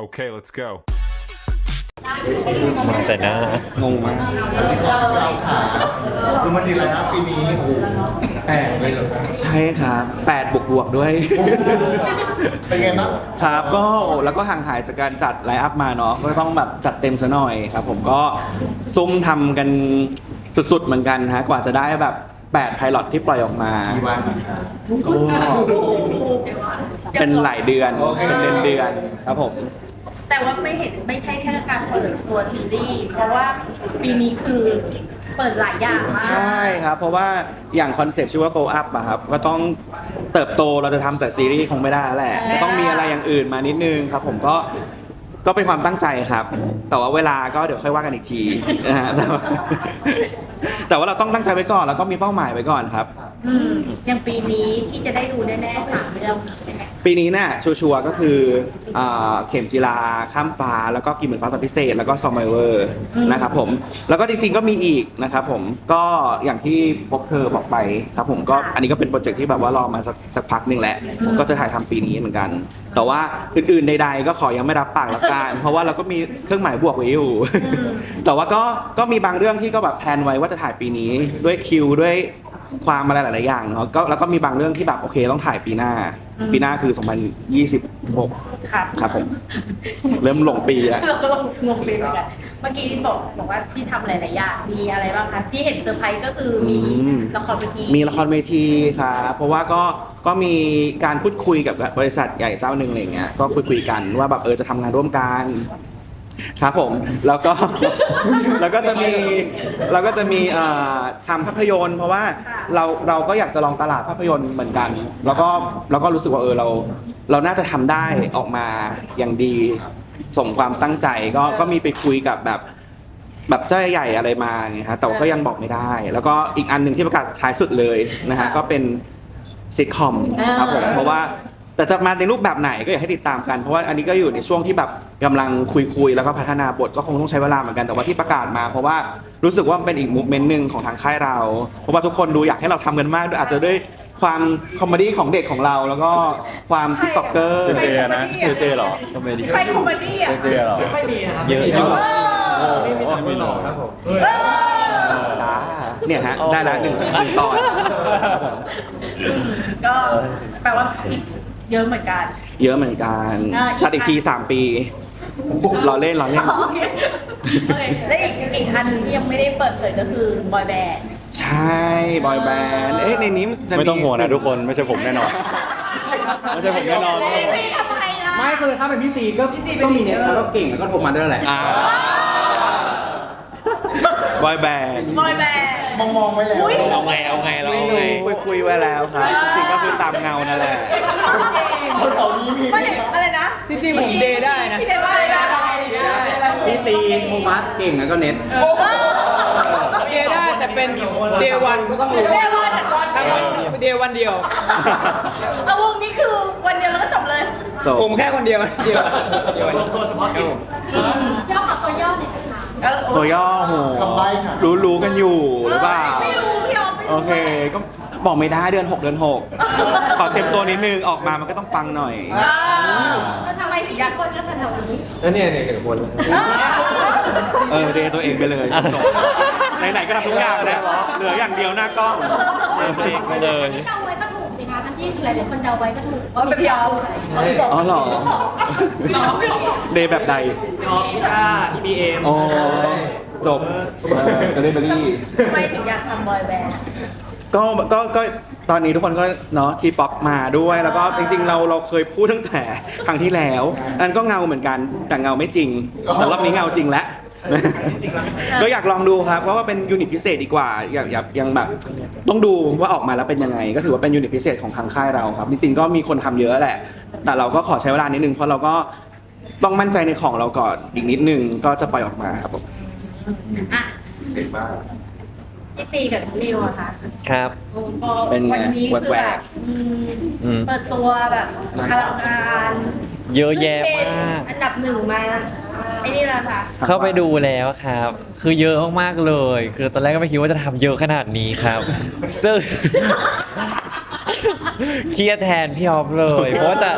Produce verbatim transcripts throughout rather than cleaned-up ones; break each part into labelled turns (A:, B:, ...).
A: Okay, let's go.
B: มาแต่หน้าง
C: งมาก
D: เราขาคือมันดีแล้วนะปีนี้โอ้โหแปลกเลยเหรอครับ
C: ใช่ครับแปดบวกบวกๆด้วย
D: เป็นไงบ้าง
C: ครับก็โอ้แล้วก็ห่างหายจากการจัดไลฟ์อัพมาเนาะก็ต้องแบบจัดเต็มซะหน่อยครับผมก็ซุ่มทำกันสุดๆเหมือนกันฮะกว่าจะได้แบบแปดไพลอตที่ปล่อยออกมา
D: กี่วัน
C: ก็เป็นหลายเดือนเป็นเดือนเดือนๆครับผม
E: แต่ว่าไม่เห็นไม่ใช่แค่การเปิดตัวซีรีส์เพราะว่าปีนี้คือเปิดหลายอย่างมาก
C: ใช่ครับ เพราะว่าอย่างคอนเซ็ปต์ชื่อว่า Go Up อะครับก็ต้องเติบโตเราจะทำแต่ซีรีส์คงไม่ได้แล้วแหละก็ต้องมีอะไรอย่างอื่นมานิดนึงครับผมก็ก็เป็นความตั้งใจครับ แต่ว่าเวลาก็เดี๋ยวค่อยว่ากันอีกทีนะฮะแต่ว่าแต่ว่าเราต้องตั้งใจไว้ก่อนแล้วก็มีเป้าหมายไว้ก่อนครับ
E: อืมอย่างปีนี้ที่จะได้ดูแน่ๆสามเรื่อง
C: ปีนี้เนี่ยชัวร์ๆก็คืออ่าเข็มจีราข้ามฟ้าแล้วก็กินเหมือนฟ้าตอนพิเศษแล้วก็ซอมไบเวอร์นะครับผมแล้วก็จริงๆก็มีอีกนะครับผมก็อย่างที่พบเธอบอกไปครับผมก็อันนี้ก็เป็นโปรเจกต์ที่แบบว่ารอมาสักสักพักหนึ่งแหละก็จะถ่ายทำปีนี้เหมือนกัน แต่ว่าอื่นๆใดๆก็ขอยังไม่รับปากละกันเพราะว่าเราก็มีเครื่องหมายบวกไว้อยู่ แต่ว่าก็ก็มีบางเรื่องที่ก็แบบแพลนไว้ว่าจะถ่ายปีนี้ด้วยคิวด้วยความอะไรหลายๆอย่างเนาะก็แล้วก็มีบางเรื่องที่แบบโอเคต้องถ่ายปีหน้า ปีหน้าคือสองพันยี่สิบหก
E: ครับ
C: ครับผม เริ่มหลงปีแล้ว
E: เราก็ลงงงปีเหมือนกันเมื่อกี้ที่บอกบอกว่าที่ทำหลายๆอย่างมีอะไรบ้างคะที่เห็นเซอร์ไพรส์ก็คือมี
C: อืม
E: ละครเวที
C: มีละครเวทีครับเพราะว่าก็ก็มีการพูดคุยกับบริษัทใหญ่เจ้าหนึ่งอะไรเงี้ยก็คุยคุยกันว่าแบบเออจะทำงานร่วมกันครับผมแล้วก็ แล้วก็จะมีเราก็จะมีเอ่อทำภาพยนตร์ เพราะว่าเราเราก็อยากจะลองตลาดภาพยนตร์เหมือนกัน แล้วก็เราก็รู้สึกว่าเออเราเราน่าจะทำได้ออกมาอย่างดีสมความตั้งใจก็ก็มีไปคุยกับแบบแบบเจ้าใหญ่อะไรมาไงฮะแต่ว่าก็ยังบอกไม่ได้ แล้วก็อีกอันหนึ่งที่ประกาศท้ายสุดเลยนะฮะก็เป็นซิทคอมครับผมเพราะว่าแต่จะมาในรูปแบบไหนก็อยากให้ติดตามกันเพราะว่าอันนี้ก็อยู่ในช่วงที่แบบกำลังคุยๆแล้วก็พัฒนาบทก็คงต้องใช้เวลาเหมือนกันแต่ว่าที่ประกาศมา เพราะว่ารู้สึกว่ามันเป็นอีกมูฟเมนต์หนึ่งของทางค่ายเรา เพราะว่าทุกคนดูอยากให้เราทำกันมากด้วยอาจจะด้วยความคอมเมดี้ของเด็กของเรา แล้วก็ความทิกตอกเกอร์
B: เจเจนะเจเจเหรอทำไมดี
E: ใครคอมเมดี้อ่ะ
B: เจเจเหรอ
F: ไม่มีนะครับ
B: เยอะอยู่
E: เออ
B: ไม่มีแต่ไม่หลอก
F: ครับผม
C: เนี่ยฮะได้แล้วหนึ่งหนึ่งตอน
E: ก็แปลว่าเยอะเหมือนกัน
C: เยอะเหมือนกัน
E: อ่า
C: จัดอีกทีสามปีรอเล่นรอเล่น
E: โอเคโอเคและอีกอีกอันหนึ่งที่ยังไม่ได้เปิดเผยก็คือบอยแบนด์
C: ใช่บอยแบนด์เอ๊ะในนี้จะ
B: ไม่ต้องห่วงนะทุกคนไม่ใช่ผมแน่นอนไม่ใช่ผมแน่นอน
E: ไม่ไม่ทำไมล่ะ
F: ไม่คือถ้าเป็นพี่ซีก็ก็มีเน็ตแล้วก็เก่งแล้วก็โทรมาด้วยแหละ
C: อ่าบอยแบนด์
E: บอยแบนด์
D: มองมองๆไว้แล้ว
E: อุ๊ย
B: เอาไงเอาไงเรา
C: มี
B: เอาไง
C: คุยคุยๆไว้แล้วครับจริงๆก็คือตามเงานั่นแหละ
E: ไม่อะไรนะ
F: จริงๆผมเดย์ได้นะ
E: พี่เดย์ว่าอะไรนะ
F: พี่ซีโทมัสเก่งแล้วก็เน็ต
E: โอ้โห
F: เดย์ได้แต่เป็นเดย์วันก็ต้องรู้
E: เดย์วันแต่ก่อน
F: ถ้าเดย์วันเดียว
E: เอาวงนี้คือวันเดียวแล้วก็จบเลย
C: จบ
F: ผมแค่คนเดียวเดียวเดียวตัวเฉพาะกิจ
G: ย่อกับตัวย่อในอยสักถาม
E: เออโอ้
C: ตัวย่อโห
D: คำใบ้ค่ะ
C: รู้รู้กันอยู่หรือเปล่า
E: ไม่รู้พี่ออมไม่รู้
C: โอเคก็บอกไม่ได้เดือนหกเดือนหกขอเต็มตัวนิดนึงออกมามันก็ต้องปังหน่อย
E: อ่าแล้วทำไมถึงอยาก
G: คนก็แถวๆนี้
F: แล้วเนี่ยเนี่ยหนึ่งคน
C: เออเดย์ตัวเองไปเลยจบไหนๆก็ทำทุกอย่างแล้วเหลืออย่างเดียวหน้ากล้อง
B: ตัวเองไปเลย
G: ที่เดาไว้ก็ถูกสิคะทั้งที่หลายๆคนเดาไว้ก็ถูก
E: อ๋อเป็นพี่ออม
C: อ๋อเหรอเดย์แบบใด
F: พี่ออฟพี่ต้าพี่บีเอ็ม
C: อ๋อจบเออก็ได้เบอรี่
E: ทำไมถึงอยากทำบอยแบนด์
C: ก็ก็ก็ตอนนี้ทุกคนก็เนาะทีป๊อปมาด้วยแล้วก็จริงๆเราเราเคยพูดตั้งแต่ครั้งที่แล้วอันก็เงาเหมือนกันแต่เงาไม่จริงแต่รอบนี้เงาจริงแล้ว ก็อยากลองดูครับเพราะว่าเป็นยูนิตพิเศษดีกว่าอยากอยากยังแบบต้องดูว่าออกมาแล้วเป็นยังไง ก็ถือว่าเป็นยูนิตพิเศษของทางค่ายเราครับจริงๆก็มีคนทำเยอะแหละ แต่เราก็ขอใช้เวลานิดนึงเพราะเราก็ต้องมั่นใจในของเราก่อนอีกนิดนึงก็จะปล่อยออกมาครับผม
E: อ่ะพี่ซีกับนิวอะค่ะ
B: ครับ
C: เป็นไง
E: วันนี้คือ
C: แหว
E: แบ
C: ก
E: บอืม
B: อืม
E: เปิดตัวแบบอลังการ
B: เยอะแยะมาก
E: อันดับหนึ่งมาไอ้นี่แหละค่ะ
B: เข้าไปดูแล้วครับ คือเยอะมากๆเลย คือตอนแรกก็ไม่คิดว่าจะทำเยอะขนาดนี้ครับ ซึ่ง เครียดแทนพี่ออฟเลย เพราะว่าแต่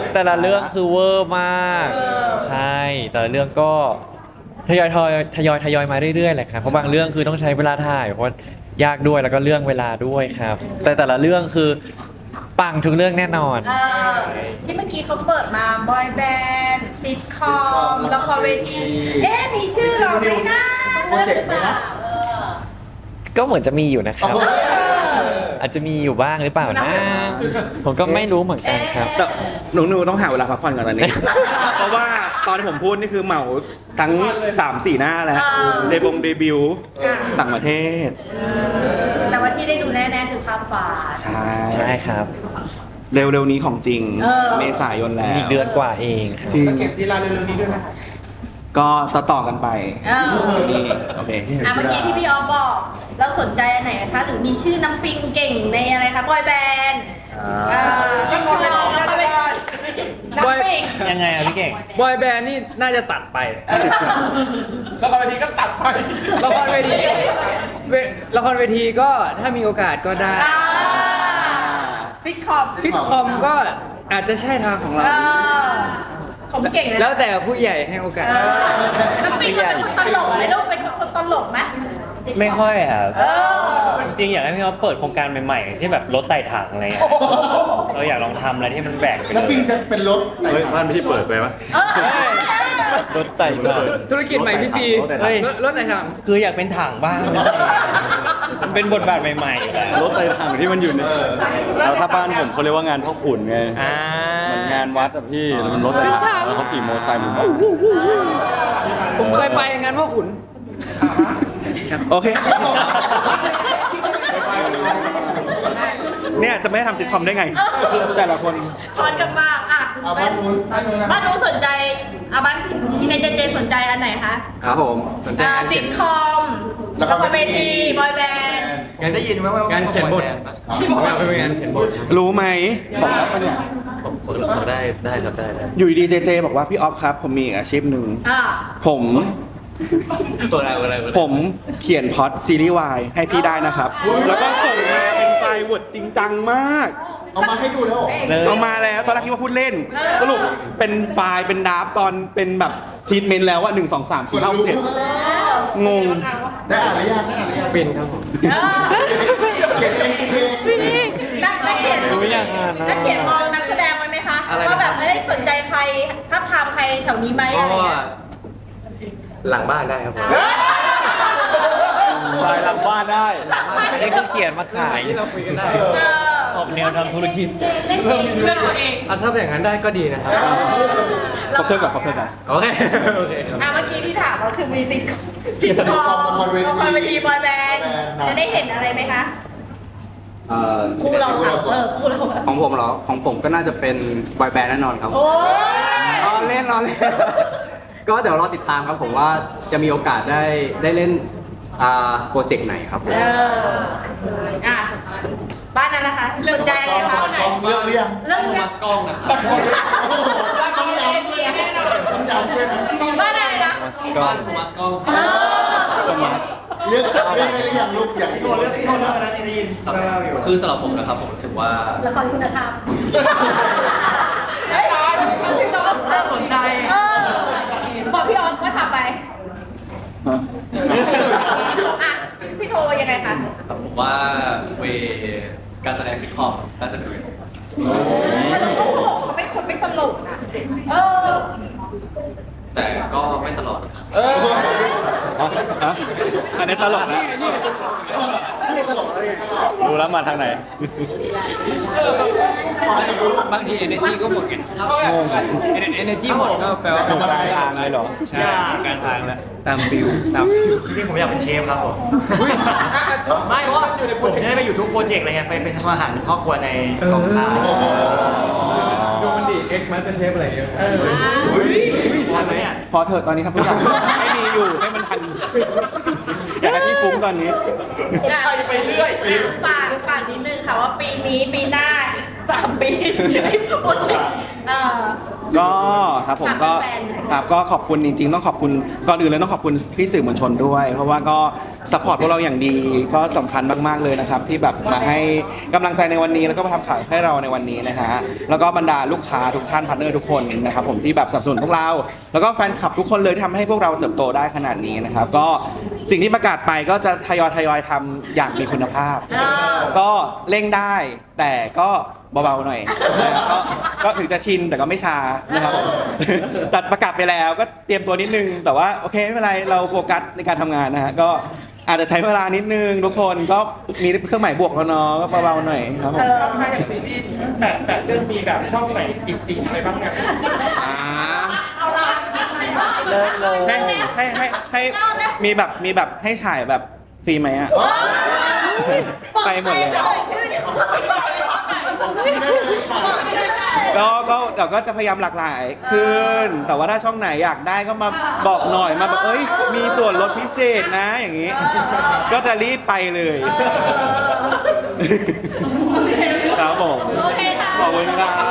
B: แต่ละเรื่องคือเวอร์มาก
E: เออ
B: ใช่แต่ละเรื่องก็ทยอยทยอยทยอยทยอยมาเรื่อยๆแหละครับเพราะบางเรื่องคือต้องใช้เวลาถ่ายเพราะยากด้วยแล้วก็เรื่องเวลาด้วยครับ แต่แต่ละเรื่องคือปังทุกเรื่องแน่นอน
E: เออที่เมื่อกี้เขาเปิดมาบอยแบนด์ซิทคอมละครเวที เอ๊ะมีชื่อเราไหมนะ
D: โปรเจกต์ไหมนะ
G: เออ
B: ก็เหมือนจะมีอยู่นะครับ
D: โอ้โห
B: อาจจะมีอยู่บ้างหรือเปล่านะ ผมก็ไม่รู้เหมือนกันครับ
C: แต่หนูหนูต้องหาเวลาพักผ่อนก่อนตอนนี้ เพราะว่าตอนที่ผมพูดนี่คือเหมาทั้ง สามสี่ หน้าแล้ว
E: อ่า
C: เดบงเดบิวต์ต่างประเทศ
E: แต่ว่าที่ได้ดูแน่ๆคือข้ามฟ้า
C: ใช่
B: ใช่ครับ
C: เร็วๆนี้ของจริง
E: เออ
C: เมษายนแล้ว
B: อีกเดือนกว่าเองครับ
C: จริง
F: เก็บทีลาเร็วๆนี้ด้วยไหม
C: ก็ต่อต่อๆกันไป
E: เออ
C: นี่โอเค
E: อ่ะเมื่อกี้ที่พี่ออฟบอก เราสนใจอันไหนคะ หรือมีชื่อน้ำปิงเก่งในอะไรคะบอยแบนด์อ่าน้ำปิงน้ำปิงน้ำปิง
F: ยังไงอะพี่เก่ง บอยแบนด์นี่น่าจะตัดไป ละครเวทีก็ตัดไป ละครเวทีเวละครเวทีก็ถ้ามีโอกาสก็ได้
E: อ่าฟิตคอม
F: ฟิตคอมก็อาจจะใช่ทางของเรา
E: อ่าผมเก่งนะ
F: แล้วแต่ผู้ใหญ่ให้โอกาส
E: เออน้ำปิงเป็นคนตลกไหมลูกเป็นคนตลกไหม
A: ไม่ค่อยครับ
E: เออ
A: จริงๆอยากให้พี่เขาเปิดโครงการใหม่ๆที่แบบรถไต่ถังอะไรเงี้ยเราอยากลองทำอะไรที่มันแบกไปเล
D: น้ำปิง
A: ย
D: จะเป็นรถไหน
H: เฮ้ยบ้านไม่ใช่เปิดไปปะ
E: เออ
B: รถไต่มา
F: ธุรกิจใหม่พี่ซี
A: เฮ้ย
F: รถรถไหนท
A: คืออยากเป็นถังบ้างมันเป็นบทบาทใหม่ๆอยู่แล้ว
H: รถไต่ถังที่มันอยู่ในแล้วถ้าบ้านผมเขาเรียกว่างานพ่อขุนไง
A: อ่า
H: เหมือนงานวัดอะพี่แล้วมันรถไต่ถังแล้วเขาขี่มอเตอร์ไซค์ผมก็
F: ำผมเคยไปงานพ่อขุน
C: โอเค เนี่ยจะไม่ให้ทำซิทคอมได้ไง แต่ละคน
E: ช้อนกันมากอ่ะ
D: เอาบ้านนู้น
E: บ้านนู้นสนใจอ่ะบ้านที่ในเจเจสนใจอันไหนคะ
F: ครับผมสนใจ
E: อ่าง
F: าน
E: ซิ
F: เขียน
E: ทคอมละครเวทีบอยแบนด์
F: งานได้ยินไหมว่างานเขียนบทงานเป็นงานเขียนบท
C: รู้ไหมบอกแล้วปะเนี่ย
H: ได้ได้ครับได้ได้
C: อยู่ดีเจเจบอกว่าพี่ออฟครับ ผมมีอีกอาชีพหนึ่ง
E: อ่า
C: ผม
H: ตัวอะไรตัวอะไร
C: ผมเขียนพล็อดซีรีส์วายให้พี่ได้นะครับ แล้วก็ส่งมาเป็นไฟล์วดจริงจังมาก
D: เอามาให้ดูแล้วเหรอ
C: เอามาแล้วตอนแรกคิดว่าพูดเล่น สรุปเป็นไฟล์เป็นดราฟต์ตอนเป็นแบบทีทเมนต์แล้วว่าหนึ่งสองสามสี่ห้าหกเจ็ดงง
D: ได้อ่านหรือยัง
F: ฟินครับผม
E: เออ
D: เขียนเองคุณเอง
E: นักนักเขียน
B: รู้ยังอ่ะนะ
E: นักเขียนมองนักแสดงไว้ไหมคะว่าแบบไม่ได้สนใจใครถ้าพามใครแถวนี้ไหมอะไรเงี้ย
F: หลังบ้านได้ครับผม
H: ถ่ายหลังบ้านได้
B: อันนี้คือเขียนมาขาย
F: เราคุยกันได้
E: เออ
A: ออกแนวทำธุรกิจ
G: เล่นเอง
E: เรื่องตัวเอง
F: อ่ะถ้าอย่างนั้นได้ก็ดีนะครับ
C: ขอเพิ่มก่อนขอเพิ่มก่อน
F: โอเค โอเค
E: อ่ะเมื่อกี้ที่ถามก็คือมีซิทคอมซิทคอม
D: ละครเวที
E: ละครเวทีบอยแบนด์จะได้เห็นอะไรไหมคะ
I: เอ่อ
E: คู่เราค่ะเออคู่เรา
I: ของผมเหรอ ของผมก็น่าจะเป็นบอยแบนด์แน่นอนครับ
E: โอ้ย
I: รอเล่นรอเล่น ก็เดี๋ยวรอติดตามครับผมว่าจะมีโอกาสได้ได้เล่นอ่าโปรเจกต์ไหนครับผม
E: เอออ่ะบ้านนั้นนะคะสนใจอะไรคะ
D: กองเลือกเรียง
E: เรื่อง
F: มาสกล้องนะครับ
D: ต้องย้ำต้องย้ำด้วยนะ
E: บ้านอะไรนะ
B: มาสกอต
F: มาสกล้อง
E: เออ
D: เลือกเลือกได้หรือยังลูกอยากดูโปรเจกต์ไหนนะ
F: คือสำหรับผมนะครับผมรู้สึกว่า
G: ละครคุณธรรม
E: เฮ้ยพี่น้องน่าสนใจเออบอกพี่ออฟว่าทำไปอ่ะพี่โทรยังไงคะ
F: ผมว่าเวการแสดงซิทคอมน่าจะดู
E: แต่เราก็เขาบอกเขาเป็นคนไม่ตลกนะเออ
F: แต่ก็ไม่ตลอด
C: ฮะอันนี้ตลกนะ
H: ดูแล้วมาทางไหน
F: บางที energy ก็หมดไงงง energy หมดก็แปลว่า
D: ทำอะไร
H: ทางเลยเหรอ
F: ใช่การทางแล้วตามฟิวตามฟิวจริงๆผมอยากเป็นเชฟครับผมไม่เพราะว่าผมจะได้ไปอยู่ทุกโปรเจกต์อะไรเงี้ยไปไปทำอาหารเป็นพ่อครัวในกองถ่าย
H: ดูมันดิเอ็กซ์มาสเตอร์เชฟอะไรเงี้ย
F: วันไหนอ่ะ
C: พอเถอะตอนนี้ครับทุกอย่างไม่มีอยู่ให้มันทัน อยากให้พี่ฟุ้งตอนนี้
E: ไปเรื่อยฝากฝากนิดนึงค่ะว่าปีนี้ปีหน้าแสามปีโปรเจกต์อ่า
C: ก็ครับผมก็
E: ฝากแฟนๆหน่อย
C: ครับก็ขอบคุณจริงๆต้องขอบคุณก่อนอื่นเลยต้องขอบคุณพี่สื่อมวลชนด้วย เพราะว่าก็สปอร์ตพวกเราอย่างดีก็สำคัญมากๆเลยนะครับที่แบบมาให้กำลังใจในวันนี้แล้วก็มาทำข่าวให้เราในวันนี้นะฮะแล้วก็บรรดาลูกค้าทุกท่านพาร์ทเนอร์ทุกคนนะครับผมที่แบบสนับสนุนพวกเรา แล้วก็แฟนคลับทุกคนเลยที่ทำให้พวกเราเติบโตได้ขนาดนี้นะครับก็สิ่งที่ประกาศไปก็จะทยอยทยอยทำอย่างมีคุณภาพ ก็เร่งได้แต่ก็เบาๆหน่อยนะครับก็ก็ถึงจะชินแต่ก็ไม่ช้านะครับผมตัดประกาศไปแล้วก็เตรียมตัวนิดนึง แต่ว่าโอเคไม่เป็นไรเราโฟกัสในการทำงานนะฮะก็อาจจะใช้เวลานิดนึงทุกคนก็มีเครื่องหมายบวกแล้วเนาะก็เบาๆหน่อยครับผม
J: ถ้าอย่างซีรีส์แปดแปดเรื่องมีแบบช่องไหนจริงๆอะไรบ้างเนี่ย
C: อ่า
E: เอาละ
B: เลิกเลย
C: ให้ให้ให้ให้มีแบบมีแบบให้ฉายแบบฟรีไหมอ่ะไปหมดเลย ก็ก็เดี๋ยวก็จะพยายามหลากหลายขึ้น แต่ว่าถ้าช่องไหนอยากได้ก็มาบอกหน่อยมาแบบเอ้ยมีส่วนลดพิเศษนะอย่างนี้ ก็จะรีบไปเลย ครับผม
E: โอเคค่ะ
C: ขอบคุณครับ